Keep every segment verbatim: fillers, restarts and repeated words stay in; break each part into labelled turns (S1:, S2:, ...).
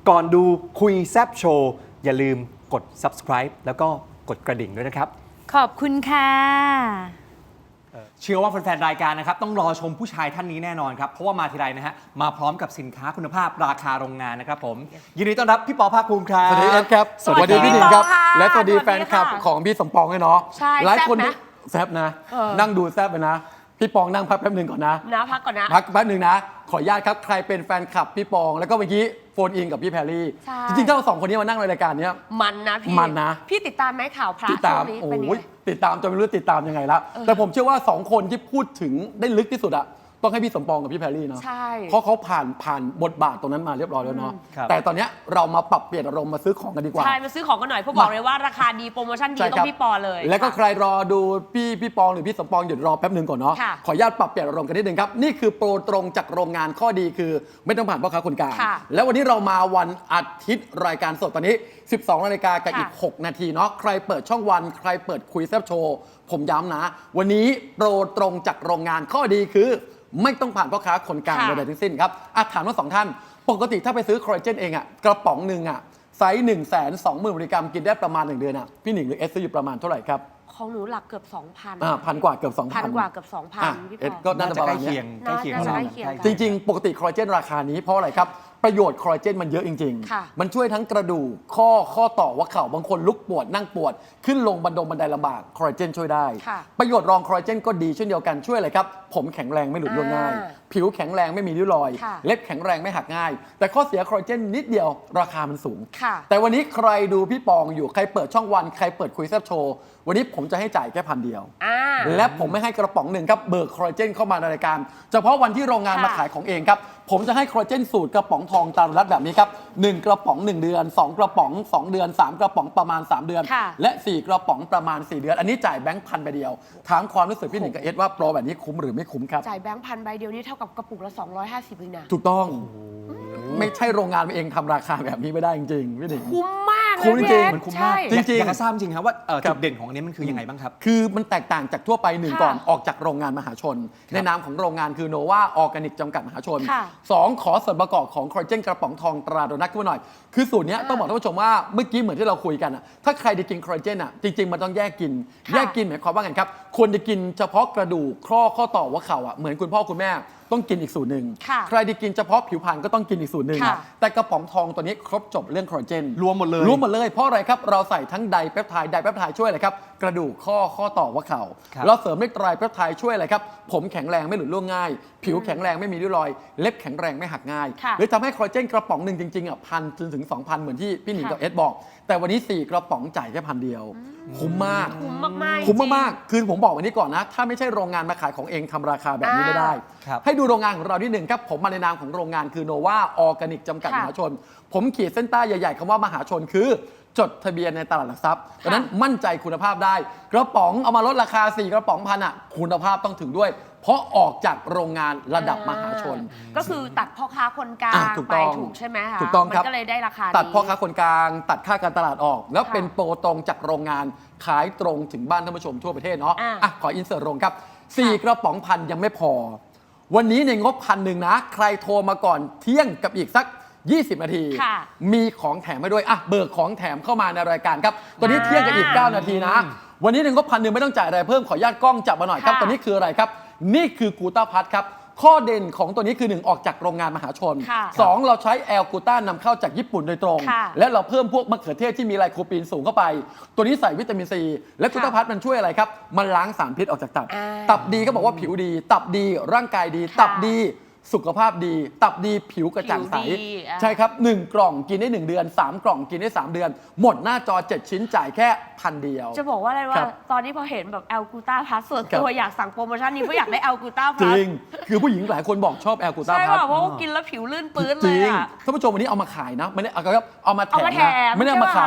S1: ก่อนดูคุยแซบโชว์อย่าลืมกด ซับสไครบ์ แล้วก็กดกระดิ่งด้วยนะครับ
S2: ขอบคุณค่ะ
S1: เชื่อว่าแฟนๆรายการนะครับต้องรอชมผู้ชายท่านนี้แน่นอนครับเพราะว่ามาทีไรนะฮะมาพร้อมกับสินค้าคุณภาพราคาโรงงานนะครับผมยินดีต้อนรับพี่ปอภาคภูมิครับ
S3: สวัสดีครับสวัสดีพี่หนิงครับและสวัสดีแฟนคลับของพี่สมปองด้วยเนาะหลายคนแซบนะนั่งดูแซบไปนะพี่ปองนั่งพักแป๊บหนึ่งก่อนนะ
S2: นะพักก่อนนะ
S3: พักแป๊บหนึ่งนะขออนุญาตครับใครเป็นแฟนคลับพี่ปองแล้วก็เมื่อกี้โฟนอินกับพี่แพรรี่จริงๆถ้าเราสองคนนี้มานั่งในรายการนี้
S2: มันนะพี่
S3: มันนะ
S2: พี่ติดตามไหมข่าวพระ
S3: ติดตามโอ้ยติดตามจนไม่รู้ติดตามยังไงแล้วแต่ผมเชื่อว่าสองคนที่พูดถึงได้ลึกที่สุดอะต้องให้พี่สมปองกับพี่แพรรี่เนาะเพราะเขาผ่านผ่านบทบาทตรงนั้นมาเรียบร้อยแล้วเนาะแต่ตอนนี้เรามาปรับเปลี่ยนอารมณ์มาซื้อของกันดีกว่า
S2: ใช่มาซื้อของกันหน่อยเพราะบอกเลยว่าราคาดีโปรโมชั่นดีต้องพี่ปอเลย
S3: แล้วก็ใครรอดูพี่พี่ปองหรือพี่สมปองหยุดรอแป๊บนึงก่อนเนาะขออนุญาตปรับเปลี่ยนอารมณ์กันนิดนึงครับนี่คือโปรตรงจากโรงงานข้อดีคือไม่ต้องผ่านพ่อค้าคนกลางแล้ววันนี้เรามาวันอาทิตย์รายการสดตอนนี้สิบสองนาฬิกากับอีกหกนาทีเนาะใครเปิดช่องวันใครเปิดคุยแซบโชว์ผมย้ำนะวันนี้โปรตรงจากโรงงานข้อดีคือไม่ต้องผ่านพ่อค้าคนกลางใดๆทั้งสิ้นครับอาถามว่าสองท่านปกติถ้าไปซื้อคอลลาเจนเองอะกระป๋องหนึ่งอะไซส์หนึ่งแสนสองหมื่นมิลลิกรัมกินได้ประมาณหนึ่งเดือนอะพี่หนิงหรือเอสซื้ออยู่ประมาณเท่าไหร่ครับ
S2: ของหนูหลักเกือบสองพัน
S3: อ่าพันกว่าเกือบสองพัน
S2: พันกว่าเกือบสองพันพี่ปอ
S3: ก็น่าจะใกล้
S1: เคียงใกล้เคียง
S3: จริงๆปกติคอลลาเจนราคานี้เพราะอะไรครับประโยชน์คอลลาเจนมันเยอะจริงๆมันช่วยทั้งกระดูกข้อข้อต่อว่าเข่าบางคนลุกปวดนั่งปวดขึ้นลงบันดงบันไดลำบากคอลลาเจนช่วยได้ประโยชน์รองคอลลาเจนก็ดีเช่นเดียวกันช่วยอะไรครับผมแข็งแรงไม่หลุดร่วงง่ายผิวแข็งแรงไม่มีริ้วรอยเล็บแข็งแรงไม่หักง่ายแต่ข้อเสียคอลลาเจนนิดเดียวราคามันสูงแต่วันนี้ใครดูพี่ปองอยู่ใครเปิดช่องวันใครเปิดคุยแซบโชว์วันนี้ผมจะให้จ่ายแค่พันเดียวและผมไม่ให้กระป๋องหนึ่งครับเบิกคอลลาเจนเข้ามาในรายการเฉพาะวันที่โรงงานมาขายของเองครับผมจะให้คอลลาเจนสูตรกระป๋องทองตามรัดแบบนี้ครับหนึ่งกระป๋องหนึ่งเดือนสองกระป๋องสองเดือนสามกระป๋องประมาณสามเดือนและสี่กระป๋องประมาณสี่เดือนอันนี้จ่ายแบงค์พันใบเดียวถามความรู้สึกพี่หนิงกับเอสว่าโปรแบบนี้คุ้มหรือไม่คุ้มครับ
S2: จ่ายแบงค์พันใบเดียวนี่เท่ากับกระปุกละสองร้อยห้าสิบเองนะ
S3: ถูกต้องไม่ใช่โรงงานเองทำราคาแบบนี้ไม่ได้จริงๆพี่หนิง
S2: คุ้มมาก
S3: คุ้มจริง
S1: มันคุ้มมากจริงๆอยากจะทราบจริงครับว่าจุดเด่นของอันนี้มันคือยังไงบ้างครับ
S3: คือมันแตกต่างจากทั่วไปหนึ่งก่อนออกจากโรงงานมหาชนในนามของโรงงานคือโนวาออร์แกนิกจำกัดมหาชนสองขอส่วนประกอบของคอลลาเจนกระป๋องทองตราโดนัทขึ้นมาหน่อยคือสูตรนี้ต้องบอกท่านผู้ชมว่าเมื่อกี้เหมือนที่เราคุยกันอะถ้าใครจะกินคอลลาเจนอะจริงๆมันต้องแยกกินแยกกินหมายความว่าไงครับควรจะกินเฉพาะกระดูกข้อข้อต่อว่าเข่าอะเหมือนคุณพ่อคุณแม่ต้องกินอีกสูตรหนึ่งใครที่กินเฉพาะผิวพรรณก็ต้องกินอีกสูตรหนึ่งแต่กระป๋องทองตัวนี้ครบจบเรื่องคอลลาเจน
S1: รวมหมดเลย
S3: รวมหมดเลยเพราะอะไรครับเราใส่ทั้งไดเปปไทด์ไดเปปไทด์ช่วยอะไรครับกระดูกข้อข้อต่อว่าเข่าเราเสริมด้วยไตรเปปไทด์ช่วยอะไรครับผมแข็งแรงไม่หลุดร่วงง่ายผิวแข็งแรงไม่มีริ้วรอยเล็บแข็งแรงไม่หักง่ายหรือทำให้คอลลาเจนกระป๋องหนึ่งจริงๆอ่ะพันจนถึงสองพันเหมือนที่พี่หนิงกับเอสบอกแต่วันนี้สี่กระป๋องจ่ายแค่พันเดียวคุ้มมาก
S2: คุ้มมากๆ
S3: คุ้มมากๆคือผมบอกวันนี้ก่อนนะถ้าไม่ใช่โรงงานมาขายของเองทำราคาแบบนี้ไม่ได้ให้ดูโรงงานของเราที่หนึ่งครับผมมาในนามของโรงงานคือโนวาออร์แกนิกจำกัดมหาชนผมขีดเส้นใต้ใหญ่ๆคำว่ามหาชนคือจดทะเบียนในตลาดหลักทรัพย์ดังนั้นมั่นใจคุณภาพได้กระป๋องเอามาลดราคาสี่กระป๋องพันอ่ะคุณภาพต้องถึงด้วยเพราะออกจากโรงงานระดับมหาชน
S2: ก็คือตัดพ่อค้าคนกลางไปถูกใช่ไหมคะ
S3: ถูกต้องครับ
S2: ก็เลยได้ราคา
S3: ตัดพ่อค้าคนกลางตัดค่าการตลาดออกแล้วเป็นโปรตรงจากโรงงานขายตรงถึงบ้านท่านผู้ชมทั่วประเทศเนาะอ่ะขออินเสิร์ตโรงครับสี่กระป๋องพันยังไม่พอวันนี้ในงบพันหนึ่งนะใครโทรมาก่อนเที่ยงกับอีกสักยี่สิบนาทีมีของแถมให้ด้วยอ่ะเบิกของแถมเข้ามาในรายการครับตอนนี้เที่ยงกับอีกเก้านาทีนะวันนี้ในงบพันหนึ่งไม่ต้องจ่ายอะไรเพิ่มขออนุญาตกล้องจับมาหน่อยครับตอนนี้คืออะไรครับนี่คือกูต้าพัทครับข้อเด่นของตัวนี้คือหนึ่งออกจากโรงงานมหาชนสองเราใช้แอลกูต้านำเข้าจากญี่ปุ่นโดยตรงและเราเพิ่มพวกมะเขือเทศที่มีไลโคปีนสูงเข้าไปตัวนี้ใส่วิตามินซีและกูต้าพัทมันช่วยอะไรครับมันล้างสารพิษออกจากตับตับดีก็บอกว่าผิวดีตับดีร่างกายดีตับดีสุขภาพดีตับดีผิวกระจ่างใสใช่ครับหนึ่งกล่องกินได้หนึ่งเดือนสามกล่องกินได้สามเดือนหมดหน้าจอเจ็ดชิ้นจ่ายแค่พันเดียว
S2: จะบอกว่าอะไรว่าตอนนี้พอเห็นแบบแอลกูต้าพลัสส่วนตัวอยากสั่งโปรโมชั่นนี้เพราะอยากได้แอลกูต้าพลัส
S3: จริงคือผู้หญิงหลายคนบอกชอบแอลกูต้าพลัส
S2: ใช่เพราะว่ากินแล้วผิวลื่นปื้นเลย
S3: อ่ะท่านผู้ชมวันนี้เอามาขายนะไม่ได้เอาครับเอามาแถมนะไม่ได้เอามาขาย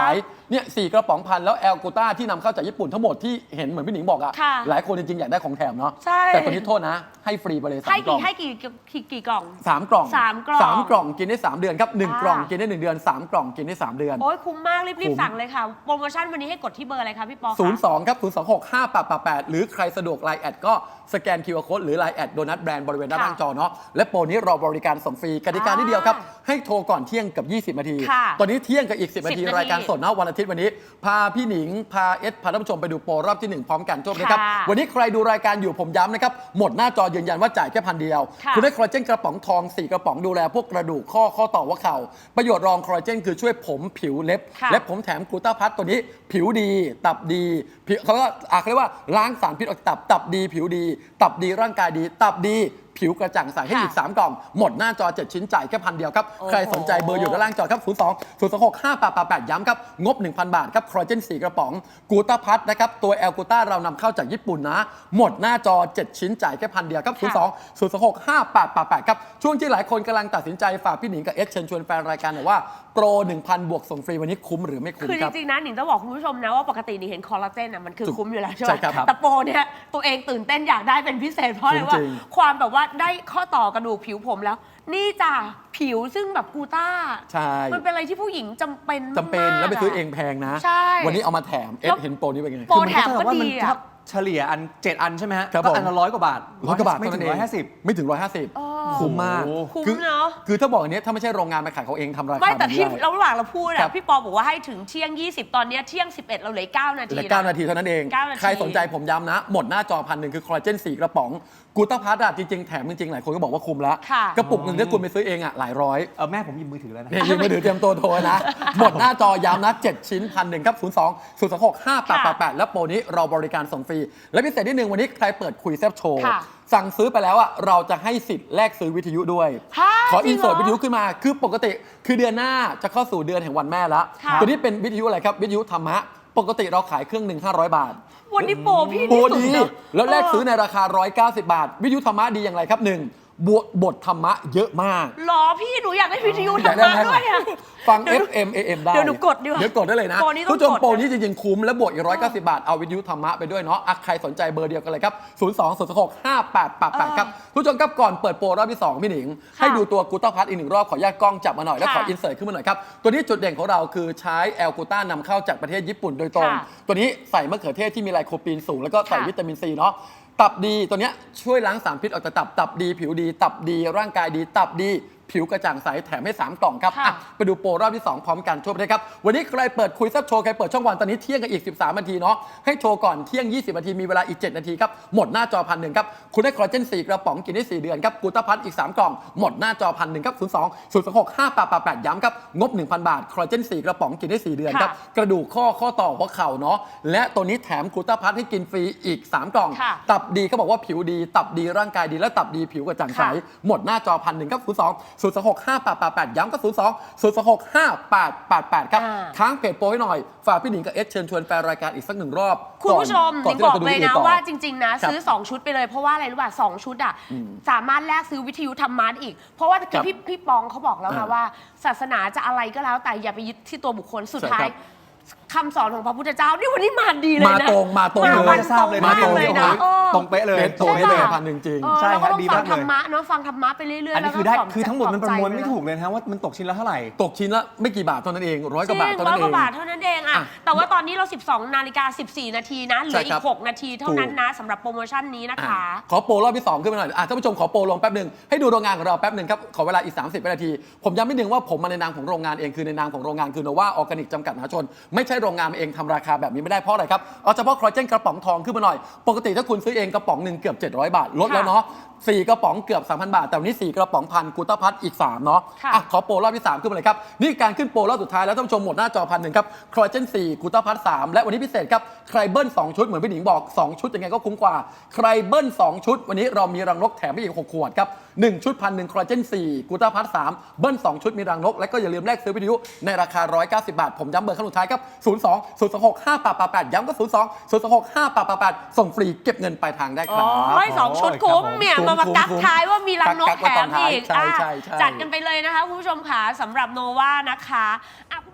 S3: เนี่ยสี่กระป๋องพันแล้วแอลกูต้าที่นำเข้าจากญี่ปุ่นทั้งหมดที่เห็นเหมือนพี่หนิงบอกอะ
S2: ค่ะ
S3: หลายคนจริงๆอยากได้ของแถมเนาะ
S2: ใช่
S3: แต่ตัวนี้โทษนะ ให้ฟรีไปเลยสา
S2: ให้
S3: มกล่
S2: กี่
S3: อง
S2: ให้กี่กี่กี่กล่อง
S3: สามกล่อง
S2: สามกล่อง
S3: สามกล่องกินได้สามเดือนครับหนึ่ง
S2: ค่ะ
S3: กล่องกินได้หนึ่งเดือนสามกล่องกินได้สามเดือน
S2: โอ้ยคุ้มมากรี
S3: คุ้
S2: บ
S3: ม
S2: ๆสั่งเลยค่ะ โปรโมชั่นวันนี้ให้กดที่เบอร์อะไรคะพี่ปอคะ
S3: ศูนย์สองครับศูนย์สองหกห้าแปดแปดแปดหรือใครสะดวก ไลน์ แอดก็สแกน คิว อาร์ Code หรือ ไลน์ แอดโดนัทแบรนด์บริเวณด้านล่างจอเนาะและโปรนี้รอบริการส่งฟรีกติกาที่เดียวครับให้โทรก่อนเที่ยงกับยี่สิบนาที
S2: ค่ะ
S3: ตอนนี้เที่ยงกับอีกสิบนาที
S2: สิบนาที
S3: รายการสดนะวันอาทิตย์วันนี้พาพี่หนิงพาเอสพาท่านผู้ชมไปดูโปรรอบที่หนึ่งพร้อมกันจบนะครับ
S2: ค่ะ
S3: วันนี้ใครดูรายการอยู่ผมย้ำนะครับหมดหน้าจอยืนยันว่าจ่ายแค่พันเดียว
S2: ค่ะ
S3: ณได้คอลลาเจนกระป๋องทองสี่กระป๋องดูแลพวกกระดูกข้อข้อต่อหัวเข่าประโยชน์รองคอลลาเจนคือช่วยผมผิวเล็บ
S2: ค่ะ
S3: และผมแถมกลูตาพัทตัวนี้ผิวดีตับดีผิวเขาก็อ่ะเขาเรียกว่าล้างสารพิษออกจากตับตับดี ผิวดี ตับดีร่างกายดี ตับดีผิวกระจ่างใสให้อีก สาม กล่อง หมดหน้าจอ เจ็ด ชิ้นจ่ายแค่พันเดียวครับ
S2: โอ้โห
S3: ใครสนใจเบอร์อยู่ด้านล่างจอครับ ศูนย์ สอง ศูนย์ สอง หก ห้า แปด แปด แปด ย้ำครับ งบ หนึ่งพัน บาทครับคอลลาเจนสี่กระป๋องกูต้าพัทนะครับตัวแอลกูต้าเรานำเข้าจากญี่ปุ่นนะ หมดหน้าจอ เจ็ด ชิ้นจ่ายแค่พันเดียวครับ ศูนย์ สอง ศูนย์ สอง หก ห้า แปด แปด แปด ครับช่วงที่หลายคนกำลังตัดสินใจฝากพี่หนิงกับเอสเชิญชวนแฟนรายการหน่อยว่าโปร หนึ่งพัน บวกส่งฟรีวันนี้คุ้มหรือไม่คุ้ม
S2: คือ
S3: ครับ
S2: จริงๆนะหนิงต้องบอกคุณผู้ชมนะว่าปกติหนิงเห็นคอลลาเจนอ่ะมันคือ
S3: ถูก
S2: คุ้มอยู่แล้วใช่ไห
S3: ใช่
S2: ม
S3: ครับ
S2: แต่โปรเนี่ยตัวเองตื่นเต้นอยากได้เป็นพิเศษเพราะอะไร
S3: คุ้ม
S2: ว่า
S3: จริง
S2: ความแบบว่าได้ข้อต่อกระดูกผิวผมแล้ว นี่จ้ะผิวซึ่งแบบกูต้า
S3: ใช่
S2: มันเป็นอะไรที่ผู้หญิงจำเป็น
S3: จำเป็น
S2: มากๆ
S3: แล้วไปซื้อ
S2: อะ
S3: เองแพงนะ
S2: ใช่
S3: วันนี้เอามาแถมเอ
S2: แล้
S3: ส
S2: ว
S3: เห็นโปรนี้เป็นไง
S2: โปร
S1: คือมันก็เท่ากับว่ามัน
S2: แถมก็ดีอะ
S1: ถ้าเฉลี่ยอันเจ็ดอันใช่ไหมฮะ
S3: ครับ
S1: ก็
S3: ผม
S1: อันละร้อยกว่าบาท
S3: ร้อยกว่าบาท
S1: ไม่ถึง
S3: เท่
S1: ร้อย
S3: นั้น
S1: ห้าสิบ
S3: ไม่ถึงร้อยห้าสิบ
S2: เออ
S3: คุ้มมาก
S1: โอ้โห
S2: คุ้ม
S3: คือ
S2: เนาะ
S3: คือถ้าบอกอันเนี้ยถ้าไม่ใช่โรงงานมาขายเขาเองทำราคา
S2: ไม่แต่ที่
S3: แบบนี้
S2: เราระหว่างเราพูด
S3: ครั
S2: อะ
S3: บ
S2: พี่ปอบอกว่าให้ถึงเที่ยงยี่สิบตอนเนี้ยเที่ยงสิบเอ็ดเราเหลือเก้านาที
S3: เหลือ
S2: นะ
S3: เก้านาทีเท่านั้นเอง
S2: เก้านาที
S3: ใครสนใจผมย้ำนะ หมดหน้าจอพันหนึ่งคือคอลลาเจนสี่กระป๋องกูต้าพัทอะจริงๆ แถมจริงๆ หลายคนก็บอกว่าคุ้มแล้ว
S2: ค่ะ
S3: กระปุกหนึ่งถ้าคุณไปซื้อเองอะหลายร้อย
S1: เออแม่ผมหยิบมือถือแล้วนะ
S3: เนี่ยยืมมือถือเตรียมตัวโทรนะ หมดหน้าจอย้ำนะ เจ็ด ชิ้นพันหนึ่งครับ ศูนย์ สอง ศูนย์ สอง หก ห้า แปด แปด แปด แล้วโปรนี้เราบริการส่งฟรี และพิเศษที่หนึ่งวันนี้ใครเปิดคุยแซบโชว์
S2: ค่ะ
S3: สั่งซื้อไปแล้วอะเราจะให้สิทธิ์แลกซื้อวิทยุด้วย
S2: ฮะ
S3: ขอ
S2: จริ
S3: อิ
S2: ง
S3: น
S2: เหรอ
S3: เสิร์ตวิทยุขึ้นมา คือปกติคือเดือนหน้าจะเข้าสู่เดือนแห่งวันแม่แล้ว
S2: ค่ะ
S3: ตัวนี้เป็นวิทยุอะไรครับ วิทยุธรรมะ ปกติเราขายเครื่องหนึ่งห้าร้อยบาท
S2: วันนี้โปรพี่
S3: โปร
S2: ที่สุ
S3: ดี
S2: เนอะ
S3: แล้วแลกซื้อในราคาหนึ่งร้อยเก้าสิบบาท วิทยุธรรมะดีอย่างไรครับหนึ่งบทบทธรรมะเยอะมาก
S2: หรอพี่หนูอยากได้วิทยุ
S3: อยา
S2: ธร
S3: ก
S2: ร
S3: ได้
S2: มะ
S3: ไหม
S2: ด้วยอะ
S3: ฟัง
S2: เดี๋ยว
S3: เอฟ เอ็ม เอ เอ็ม ได้
S2: เดี๋ยวหนูกดดีกว่า
S3: เดี๋ยวกดได้เลยนะ
S2: โปรนี้ต้อง
S3: ผู้ชม
S2: กด
S3: โปรนี้จริงๆ คุ้มและบวกอีกหนึ่งร้อยเก้าสิบบาท เอาวิทยุธรรมะไปด้วยเนาะอ่ะใครสนใจเบอร์เดียวกันเลยครับ ศูนย์ สอง ศูนย์ หก ห้า แปด แปด แปด ครับผู้ชมครับก่อนเปิดโปรรอบที่สองพี่หนิง
S2: ค่ะ
S3: ให้ดูตัวกูต้าพัทอีกหนึ่งรอบขออนุญาตกล้องจับมาหน่อยแล้วขอ
S2: ค่ะ
S3: อินเสิร์ตขึ้นมาหน่อยครับตัวนี้จุดเด่นของเราคือใช้แอลกูต้านำเข้าจากประเทศญี่ปุ่นโดยตรง
S2: ค่ะ
S3: ตัวนี้ใส่มะเขือเทศที่มีไลโคปีนสูงแล้วก็ใส่
S2: ค่ะ
S3: วิตามินซีเนาะตับดีตัวเนี้ยช่วยล้างสารพิษออกจากตับตับดีผิวดี ตับดีร่างกายดี ตับดีผิวกระจ่างใสแถมให้สามกล่องครับ
S2: ค่ะ
S3: อ่ะไปดูโปรรอบที่สองพร้อมกันทั่วประเทศครับวันนี้ใครเปิดคุยแซับโชว์ใครเปิดช่องวันตอนนี้เที่ยงกันอีกสิบสามนาทีเนาะให้โชว์ก่อนเที่ยงยี่สิบนาทีมีเวลาอีกเจ็ดนาทีครับหมดหน้าจอพันหนึ่งครับคุณได้คอลลาเจนสี่กระป๋องกินได้สี่เดือนครับกูต้าพัทอีกสามกล่องหมดหน้าจอพันหนึ่งครับศูนย์ สอง ศูนย์ สอง หก ห้า แปด แปด แปดย้ำครับงบ หนึ่งพัน บาทคอลลาเจนสี่กระป๋องกินได้สี่เดือนครับ
S2: ค่ะ
S3: กระดูกข้อข้อต่อหัวเข่าเนาะและตัวนี้แถมกูต้าพัทให้กินฟรีอีกสามกล่อง
S2: ค่ะ
S3: ตับดีเขาบอกว่าผิวดี ตับดีร่างกายดีและตับดีผิวกระจ่างใส
S2: ค่ะ
S3: หมดหน้าจอพันหนึ่งครับศูนย์ สอง ศูนย์ สอง หก ห้า แปด แปด แปดย้ำก็ศูนย์ สอง ศูนย์ สอง หก ห้า แปด แปด แปดครับ
S2: อ่า
S3: ค้างเพจโปรให้หน่อยฝากพี่หนิงกับเอสเชิญชวนแฟนรายการอีกสักหนึ่งรอบ
S2: คุณผู้ชม
S3: ก่
S2: นิ
S3: น
S2: ง
S3: ที่
S2: บ
S3: ร
S2: อก
S3: จะดู
S2: เลย
S3: วิดี
S2: นะ
S3: โต่อ
S2: ว่าจริง ๆ นะ
S3: ครับ
S2: ซื้อ สอง ชุดไปเลยเพราะว่าอะไรรู้ป่ะสองชุดอ่ะ
S3: อืม
S2: สามารถแลกซื้อวิทยุธรรมะได้อีก เพราะว่า
S3: ครับ
S2: พี่พี่ปองเขาบอกแล้ว
S3: อ่า
S2: นะว่า ศาสนาจะอะไรก็แล้วแต่อย่าไปยึดที่ตัวบุคคลสุด
S3: ใช่
S2: ท้าย
S3: ครับ
S2: คำสอนของพระพุทธเจ้านี่วันนี้มาดีเลย
S3: มา
S2: นะ
S3: ตรงมาตรง
S2: มา
S3: เลย
S2: วัน
S1: จะทราบเลย
S2: ตรง
S1: นะ
S2: มากเลยนะ
S1: โอ้โห
S2: เออ
S1: ตรงเป๊ะเลย
S3: เป๊ะตรง
S1: เป๊ะเลย
S3: พันหนึ่งจริง
S2: เออ
S1: ใช่
S2: เรา
S1: ครั
S2: ก็
S1: บ
S2: ต้อง
S1: ดี
S2: ฟั
S1: มาง ก
S2: ธร
S1: เลย
S2: รมะเนาะฟังธรรมะไปเรื่อยๆ
S1: อันนี้
S2: แล้วก็
S1: คือได้
S2: ปลบ
S1: คือทั้งหมดมันประมวลไม่
S2: ใจ
S1: ถูกเลยนะว่ามันตกชิ้นละเท่าไหร่
S3: ตกชิ้นละไม่กี่บาทเท่านั้นเองร้อย
S2: จ
S3: ก
S2: ริ
S3: ว่าง บาทเท่า
S2: ร้
S3: นั้
S2: อย
S3: นเอก
S2: ว่าง บาทเท่านั้นเองอะ
S3: อ่ะ
S2: แต่ว่าตอนนี้เรา สิบสอง นาฬิกา สิบสี่ นาทีนะเหลือ
S3: ใช่
S2: อี
S3: ครั
S2: ก
S3: บ
S2: หก นาทีเท่านั้นนะสำหรับโปรโมชั่นนี้นะคะ
S3: ขอโปรรอบที่สองขึ้นมาหน่อยอ่ะท่านผู้ชมขอโปรลงแป๊บหนึ่งให้ดูโรงงานของเราแป๊บหนึ่งครับขอเวลาอีกสามสิบนาที ผมย้ำนิดนึงว่าผมมาในนามของโรงงานเองคือในนามของโรงงานคือโนวาออร์แกนิกจำกัดมหาชนไม่ใช่โรงงานเองทำราคาแบบนี้ไม่ได้เพราะอะไรครับเอาเฉพาะคอลลาเจนกระป๋องทองขึ้นมาหน่อยปกติถ้าคุณซื้อเองกระป๋องหนึ่งเกือบเจ็ดร้อยบาทลดแล้วเนาะสี่กระป๋องเกือบ สามพัน บาทแต่วันนี้สี่กระป๋องพันกูต้าพัทอีกสามเนาะ
S2: ค่ะ
S3: อ่ะขอโปรรอบที่สามขึ้นมาเลยครับนี่การขึ้นโปรรอบสุดท้ายแล้วท่านผู้ชมหมดหน้าจอพันหนึ่งครับคอลลาเจนสี่กูต้าพัทสามและวันนี้พิเศษครับใครเบิ้ลสองชุดเหมือนพี่หนิงบอกสองชุดยังไงก็คุ้มกว่าใครเบิ้ลสองชุดวันนี้เรามีรังนกแถมไปอีกหกขวดครับหนึ่งชุดพันหนึ่งคอลลาเจนสี่กูต้าพัทสามเบิ้ลสองชุดมีรังนกและก็อย่าลืมแลกซื้อวิทยุในราคาหนึ่งร้อยเก้าสิบบาทผมย้ำเบอร์ขั้นสุดท้ายครับศูนย์ สอง ศูนย์ สอง หก ห้า แปด แปด แปดย้ำก็ศูนย์ สอง ศูนย์ สอง หก ห้า แปด แปด แปดส่งฟรีเก็บเงินปลายทางได้ครับ
S2: โอ้ยสองชุดคุ้มเนี่ย
S3: คุ้ม
S2: มามา
S3: คุ้ม
S2: กัก
S3: คุ้ม
S2: ท้ายว่ามีรังนก
S3: กัก
S2: แถ
S3: ไว้ตอ
S2: ม
S3: นท้าย
S2: อีก
S3: ใช่
S2: อ่ะ
S3: ใช่ใช่
S2: จัดกันไปเลยนะคะคุณผู้ชมค่ะสำหรับโนวานะคะอ่ะ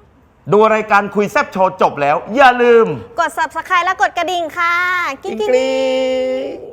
S4: ดูรายการคุยแซบโชว์จบแล้ว อย่าลืม
S5: กด ซับสไครบ์ และกดกระดิ่งค่ะ กิ๊งกิ๊ง